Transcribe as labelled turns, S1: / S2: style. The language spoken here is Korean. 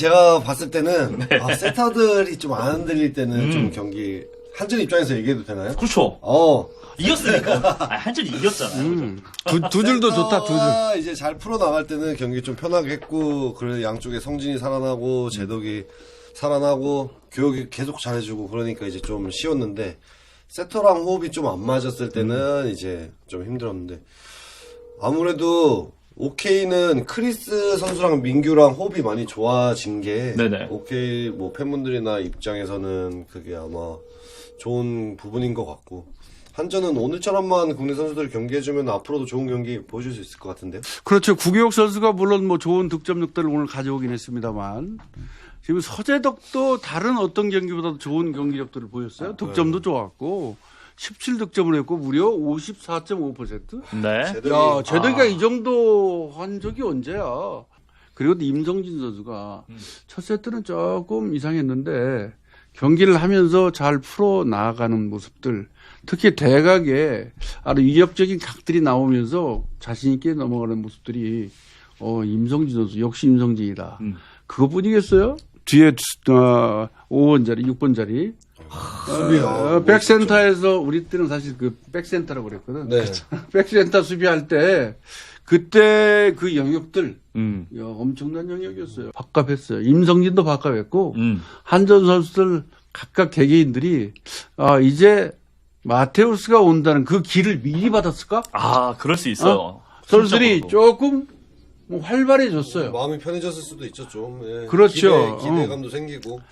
S1: 제가 봤을 때는 세터들이 좀 안 흔들릴 때는 좀 경기 한준 입장에서 얘기해도 되나요?
S2: 그렇죠. 이겼으니까. 한준이 이겼잖아요.
S3: 두 줄도 좋다, 두 줄.
S1: 이제 잘 풀어 나갈 때는 경기 좀 편하게 했고, 그래 양쪽에 성진이 살아나고 제덕이 살아나고 교육이 계속 잘해주고 그러니까 이제 좀 쉬웠는데 세터랑 호흡이 좀 안 맞았을 때는 이제 좀 힘들었는데 아무래도 오케이는 크리스 선수랑 민규랑 호흡이 많이 좋아진 게
S2: 네네.
S1: 오케이 뭐 팬분들이나 입장에서는 그게 아마 좋은 부분인 것 같고 한전은 오늘처럼만 국내 선수들 경기해주면 앞으로도 좋은 경기 보여줄 수 있을 것 같은데요.
S3: 그렇죠. 구기욱 선수가 물론 뭐 좋은 득점력들을 오늘 가져오긴 했습니다만 지금 서재덕도 다른 어떤 경기보다도 좋은 경기력들을 보였어요. 득점도 좋았고 17득점을 했고 무려 54.5%.
S2: 네.
S3: 야, 제덕이가 이 정도 한 적이 언제야? 그리고 또 임성진 선수가 첫 세트는 조금 이상했는데 경기를 하면서 잘 풀어 나아가는 모습들, 특히 대각에 아주 위협적인 각들이 나오면서 자신 있게 넘어가는 모습들이 임성진 선수 역시 임성진이다. 그거뿐이겠어요? 뒤에 5번 자리, 6번 자리. 백센터에서 우리 때는 사실 그 백센터라고 그랬거든.
S1: 네.
S3: 백센터 수비할 때 그때 그 영역들 야, 엄청난 영역이었어요. 밥값했어요. 임성진도 밥값했고 한전 선수들 각각 개개인들이 이제 마테우스가 온다는 그 길을 미리 받았을까?
S2: 그럴 수 있어요.
S3: 선수들이
S2: 심적으로도.
S3: 조금 활발해졌어요.
S1: 마음이 편해졌을 수도 있죠 좀. 예.
S3: 그렇죠.
S1: 기대감도 생기고.